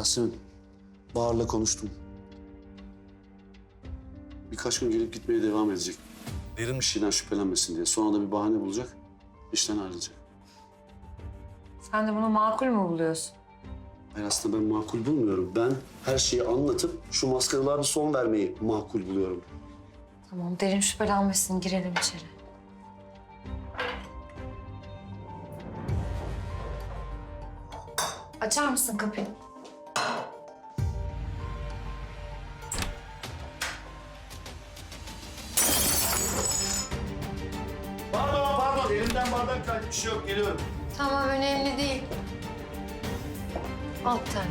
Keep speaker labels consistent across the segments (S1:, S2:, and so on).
S1: Yasemin, Bahar'la konuştum. Birkaç gün gelip gitmeye devam edecek. Derin bir şeyden şüphelenmesin diye. Sonra da bir bahane bulacak, işten ayrılacak.
S2: Sen de bunu makul mü buluyorsun?
S1: Hayır, aslında ben makul bulmuyorum. Ben her şeyi anlatıp şu maskaralara bir son vermeyi makul buluyorum.
S2: Tamam, derin şüphelenmesin. Girelim içeri. Açar mısın kapıyı?
S1: Pardon. Elimden bardak kaydı. Bir şey yok. Geliyorum.
S2: Tamam, önemli değil. Al bir tane.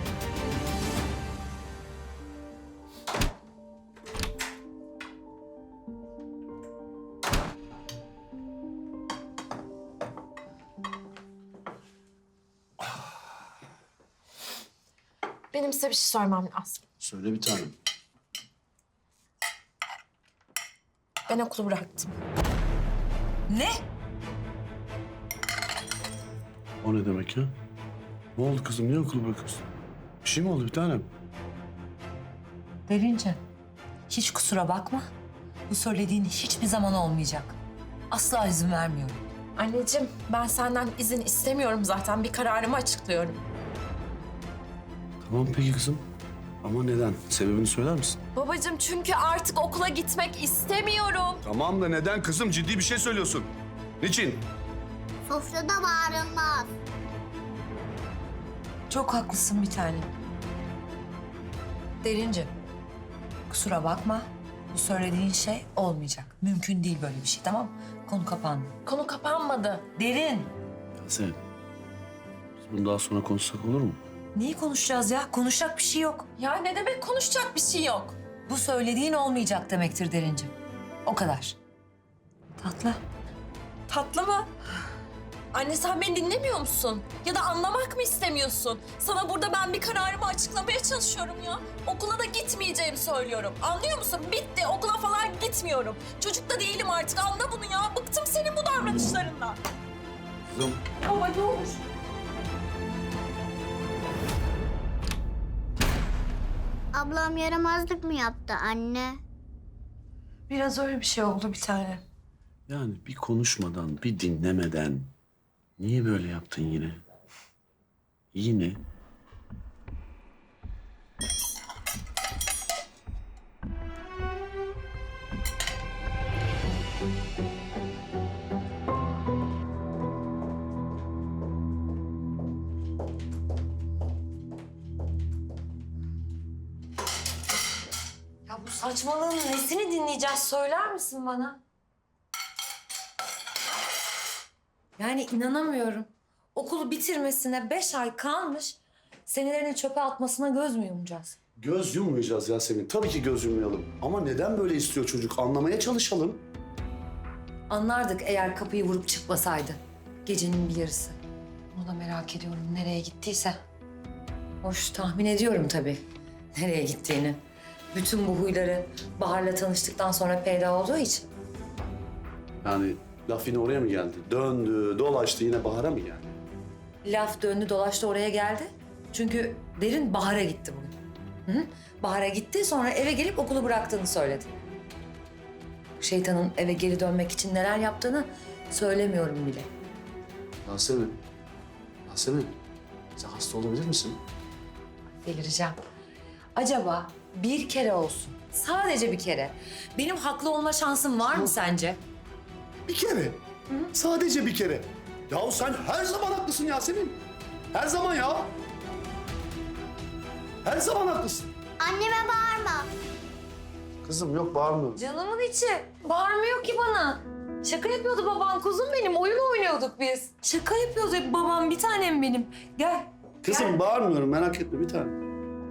S2: Benim size bir şey sormam lazım.
S1: Söyle bir tanem.
S2: Ben okulu bıraktım.
S3: Ne?
S1: O ne demek ya? Ne oldu kızım? Niye okulu bırakıyorsun? Bir şey mi oldu bir tanem?
S3: Derince, hiç kusura bakma. Bu söylediğin hiçbir zaman olmayacak. Asla izin vermiyorum.
S2: Anneciğim, ben senden izin istemiyorum zaten. Bir kararımı açıklıyorum.
S1: Tamam peki kızım. Ama neden? Sebebini söyler misin?
S2: Babacığım, çünkü artık okula gitmek istemiyorum.
S1: Tamam da neden kızım? Ciddi bir şey söylüyorsun. Niçin?
S4: Sofrada bağırılmaz.
S3: Çok haklısın bir tanem. Derince, kusura bakma. Bu söylediğin şey olmayacak. Mümkün değil böyle bir şey, tamam mı? Konu kapandı.
S2: Konu kapanmadı.
S3: Derin,
S1: Yasemin. Biz bunu daha sonra konuşsak olur mu?
S3: neyi konuşacağız ya? Konuşacak bir şey yok.
S2: Ya ne demek konuşacak bir şey yok?
S3: Bu söylediğin olmayacak demektir Derince. O kadar. Tatlı.
S2: Tatlı mı? Anne, sen beni dinlemiyor musun? Ya da anlamak mı istemiyorsun? Sana burada ben bir kararımı açıklamaya çalışıyorum ya. Okula da gitmeyeceğimi söylüyorum. Anlıyor musun? Bitti. Okula falan gitmiyorum. Çocuk da değilim artık. Anla bunu ya. Bıktım senin bu davranışlarından.
S1: Kızım.
S2: Baba ne olur.
S4: Ablam yaramazlık mı yaptı anne?
S2: Biraz öyle bir şey oldu bir tane.
S1: Yani bir konuşmadan, bir dinlemeden niye böyle yaptın yine? Yine.
S2: Ya bu saçmalığın nesini dinleyeceğiz söyler misin bana? Yani inanamıyorum. Okulu bitirmesine 5 ay kalmış. Senelerini çöpe atmasına göz mü yumacağız?
S1: Göz yummayacağız Yasemin. Tabii ki göz yummayalım. Ama neden böyle istiyor çocuk? Anlamaya çalışalım.
S3: Anlardık eğer kapıyı vurup çıkmasaydı. Gecenin bir yarısı. Bunu da merak ediyorum nereye gittiyse. Hoş tahmin ediyorum tabii nereye gittiğini. Bütün bu huyları Bahar'la tanıştıktan sonra peyda olduğu için.
S1: Yani laf yine oraya mı geldi? Döndü, dolaştı yine Bahar'a mı geldi?
S3: Laf döndü dolaştı oraya geldi. Çünkü Derin Bahar'a gitti bugün. Hı hı. Bahar'a gitti sonra eve gelip okulu bıraktığını söyledi. Şeytanın eve geri dönmek için neler yaptığını söylemiyorum bile.
S1: Yasemin. Yasemin. Sen hasta olabilir misin?
S3: Delireceğim. Acaba bir kere olsun, sadece bir kere benim haklı olma şansım var mı sence?
S1: Bir kere. Sadece bir kere. Yahu sen her zaman haklısın Yasemin. Her zaman ya. Her zaman haklısın.
S4: Anneme bağırma.
S1: Kızım yok bağırmıyorum.
S3: Canımın içi. Bağırmıyor ki bana. Şaka yapıyordu babam, kuzum benim. Oyun oynuyorduk biz. Şaka yapıyordu babam, bir tanem benim. Gel.
S1: Kızım bağırmıyorum merak etme bir tane.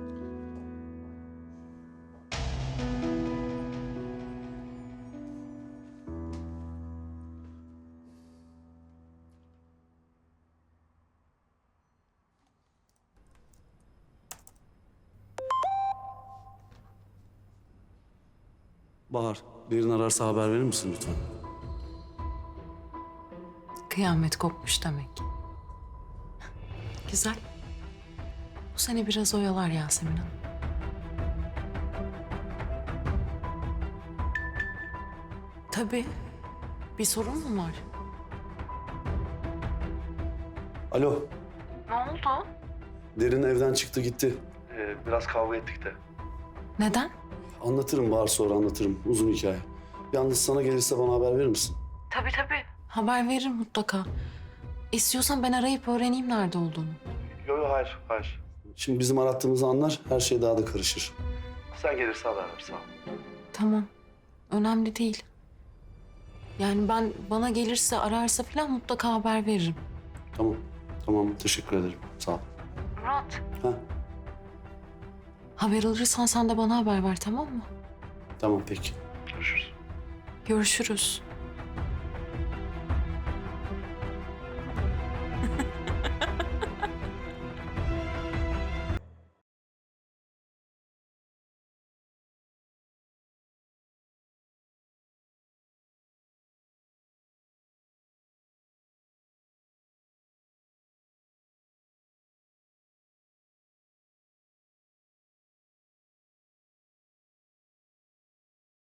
S1: Bahar, birini ararsa haber verir misin lütfen?
S5: Kıyamet kopmuş demek. Güzel. Bu seni biraz oyalar Yasemin Hanım. Tabii. Bir sorun mu var?
S1: Alo,
S5: Ne oldu?
S1: Derin evden çıktı gitti. Biraz kavga ettik de.
S5: Neden?
S1: Anlatırım Bahar, sonra anlatırım. Uzun hikaye. Yalnız sana gelirse bana haber verir misin?
S5: Tabii. Haber veririm mutlaka. İstiyorsan ben arayıp öğreneyim nerede olduğunu.
S1: Yok hayır. Şimdi bizim arattığımızı anlar, her şey daha da karışır. Sen gelirse haber ver, sağ ol.
S5: Tamam. Önemli değil. Yani bana gelirse ararsa falan mutlaka haber veririm.
S1: Tamam, teşekkür ederim. Sağ ol.
S5: Murat.
S1: Ha,
S5: Haber alırsan sen de bana haber ver, tamam mı?
S1: tamam peki. Görüşürüz.
S5: Görüşürüz.